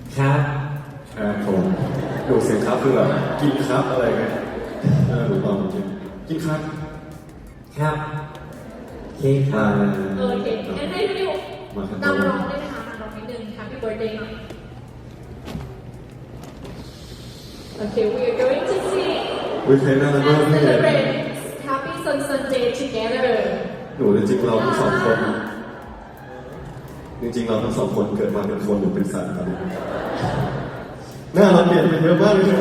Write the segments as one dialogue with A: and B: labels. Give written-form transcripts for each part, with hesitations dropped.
A: ครับ
B: ครับผมดูเสียงครับคือแบบกินครับอะไรไงหรือเปล่ากินครับ
A: ครับเค้กครับ
C: โอเคงั้นให้พี่ดิวนำร้องได้ไหมคะนำร้องนิดนึง Happy Birthday หน่อย Okay, we are going to sing
B: วิเพลงน่ารักมาก
C: and
B: พี่
C: celebrate Happy Sunday together
B: หนูจริงๆเราทั้งสองคนจริงๆเราทั้งสองคนเกิดมาเป็นคนหรือเป็นสัตว์ครับหน้าเราเปลี่ยนไปเยอะมากเลย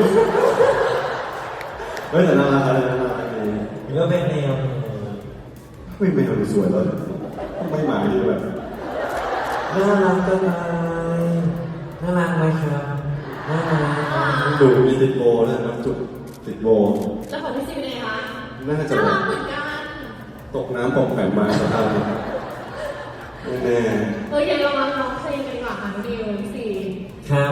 B: ไม่แต่น่ารักอะไรน่ารักดี
A: หรือว่าเป็นแนว
B: ไม่แมวดูสวยแล้วไม่หมาดีแบบ
A: น่ารักก็ตายน่ารักไหมครับน่ารัก
B: ดูมีติดโบนะน้ำจุกติดโบ
C: แล้วของพี่ซีเป็นไงคะ
B: น่าจะ
C: น่ารักเหมือนกัน
B: ตกน้ำปองแปมมาสภาพนี้แน่
C: โอเคเรามาร้องเพลงกันดีกว่าค่ะน้องดิวพี่ซี
A: ครับ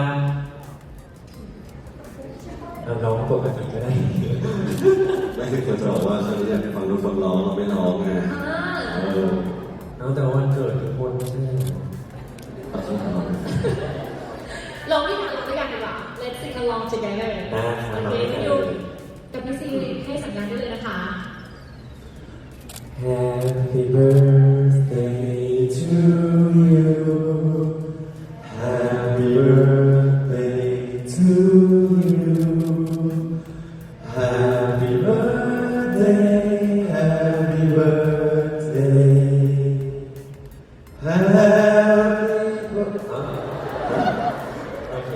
A: เอาร้องปกติก็ได้
B: ไม่ใช่คนจะบอกว่าฉันอยากฟังทุกคนร้องเราไม่ร้องไง
A: เอาแต่วันเกิดทุกคนไม่ใช่
B: ตัดสินใจ
C: ลองที่หาเราด้วยกันดีกว่า Let's sing along together โอเคพี่ดิวกับพี่ซีให้สัญญาณได้เลยนะคะ
A: Happy birthday to you Happy birthday to you Happy birthday Happy birthday Happy birthday โอเค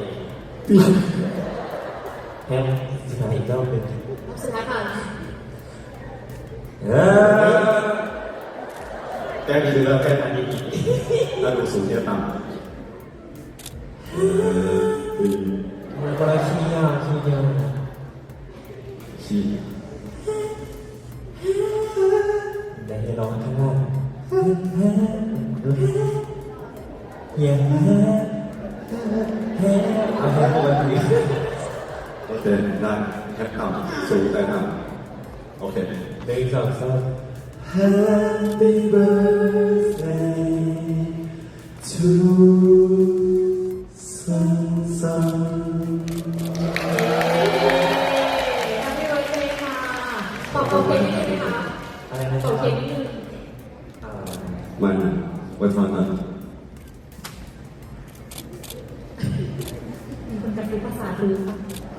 A: แฮปสุดท้ายอีกรอบหนึ่ง
C: สุดท้ายค่ะ
B: แก้ดีแล้วแก้อันนี้อีกถ้าดูสูงเนี่ยต่ำ
A: มันก็ขี้ยากขี้เดียว
B: ขี้
A: ได้ร้องข้างล่างอย่าเอาแค่ปกติ
B: โอเคได้แค่ต่ำสูงแต่ต่ำโอเค
A: หนึ่งสองสาม Happy birthday to Sun
C: Happy birthday ค่ะขอบคุณนิดนึงไหมคะ
A: อะไรนะค
C: ข
A: รั
C: อ
A: บบ
C: คุณนิดนึง
B: มันไว้ฟังนะ
C: มีคนกระซิบภาษาดูค่ะ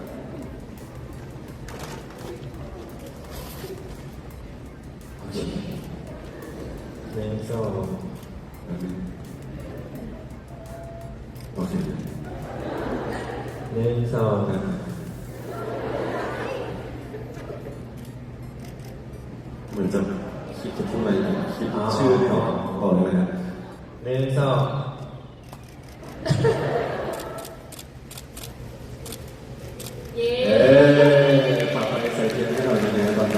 A: หนึ่งสอง
B: โอเค
A: หนึ่งสอง
B: เหมือนจะคิดจะพูดอะไรคิดชื่อไม่ออกบอกเลยนะ
A: หนึ่งสอง
C: เย้
B: เอ๊ฝากไปใส่เทียนให้หน่อยนะตอนเรา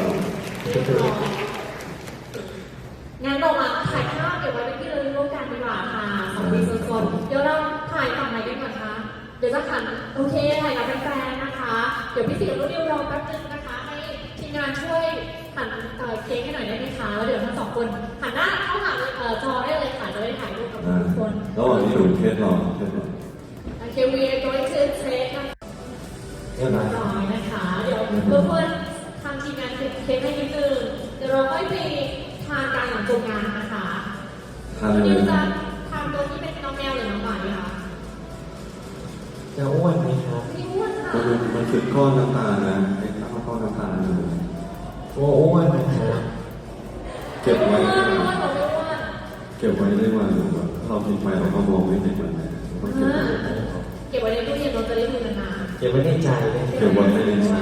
C: งั้นเรามาถ่ายภาพเก็บไว้เป็นที่ระลึกร่วมกันดีกว่าค่ะสองปีสดๆเดี๋ยวเราถ่ายฝั่งไหนกันก่อนคะเดี๋ยวจะหันโอเคถ่ายกับแฟนๆนะคะ เดี๋ยวพี่สิงห์รุ่นดิวรอแป๊บนึงนะคะให้ทีมงานช่วยหันเค้กให้หน่อยได้ไหมคะแล้วเดี๋ยวทั้งสองคนหันหน้าเข้าหาจอได้เลยค่ะจะได้ถ่ายรูปกับทุกคน
B: ระหว่างนี้หนูเทสรอ
C: โอเค we are going to take นะคะ
A: เรียบร้อย
C: น้อยนะคะ เดี๋ยวเพื่อนๆทำทีมงานเค้กให้นิดนึงเดี๋ยวเราค่อยไปทานการหลังจบงานนะคะ
B: ทานเล
C: นิ
B: ยว
C: จะทำตัวที่เป็นน้องแมวหรือน้องหมาดีคะ
A: จะอ้วนไหมครับ
C: นี่อ้วนค่ะ
B: มันคือก้อนน้ำตาลนะไอ้ก้อนน้ำตาล
A: โอ้อ้วนนะครับ
B: เก็บไว้
C: อ้วนอ้วนบอกเลยอ้วน
B: เก็บไว้ได้วันเราพิมพ์ไปเราก็มองไม่เห็นมันเลยต้องเก็บไว้
C: เก็บไว้ในตู้เย็นเราจะได้ดูนาน
A: เก็บไว้ในใจเลย
B: เก็บไว้ในใจ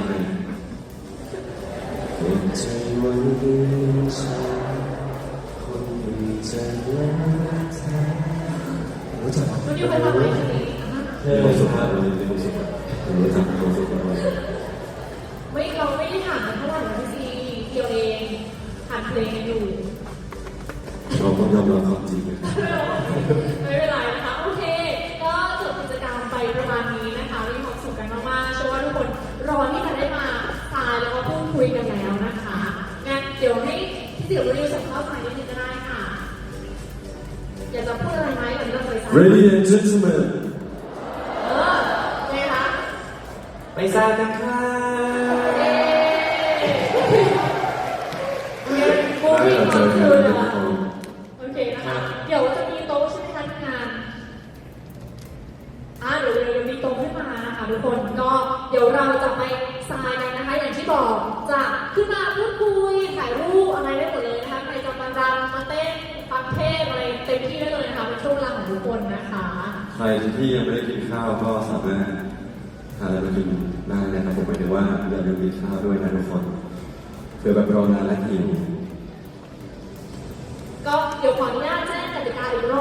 B: เก็บใจไว้ในใจคนที่จะรักเธอรู้จัก
C: ๆคุณดิวไปทำอะไรที่นี่
A: เค
B: มีความ
A: ย
B: สุข
A: ค
B: มา
A: รั
B: ก
A: บ
B: เลยมีความสุขรู้จักมีความสุขมากเลย
C: ไม่เราไม่ได้ถามกันเท่าไหร่นะพี่ซีเดียวเองผ่านเพลงกันอยู่
B: เราต้องยอมรับความจริง
C: ไม่เป็นไรนะคะ โอเค ก็จบกิจกรรมไปประมาณนี้นะคะมีความสุขกันมากๆเชื่อว่าทุกคนรอที่จะได้มาทานแล้วก็พูดคุยกันแล้วนะคะงั้นเดี๋ยวให้พี่สิวรีวิวสัมภาษณ์ฝ่ายนิดนึงก็ได้ค่ะ อยากจะพูดอะไรไหมหรือเราไปสั่ง
B: Ladies and gentlemen
C: เออ
A: ทรายกันค่ะ
C: โมมีความคือนะคะโอเคนะคะ เดี๋ยวจะมีโต๊ะใช่ไหมคะที่งานเดี๋ยวมีโต๊ะขึ้นมานะคะทุกคนก็เดี๋ยวเราจะไปทรายกันนะคะ อย่างที่บอกจะขึ้นมาพูดคุยถ่ายรูปอะไรได้หมดเลยนะคะใครจะมารำมาเต้นฟังเทศอะไรเต็มที่ได้เลยนะคะเป็นช่วงเวลาของทุกคนนะคะ
B: ใครที่ยังไม่ได้กินข้าวก็สามารถหาอะไรมากินได้นะครับผมหมายถึงว่าอย่าลืมกินข้าวด้วยนะทุกคนเผื่อแบบรอนานและหิว
C: ก็เดี๋ยวขออนุญาตแจ้งกติกาอีกร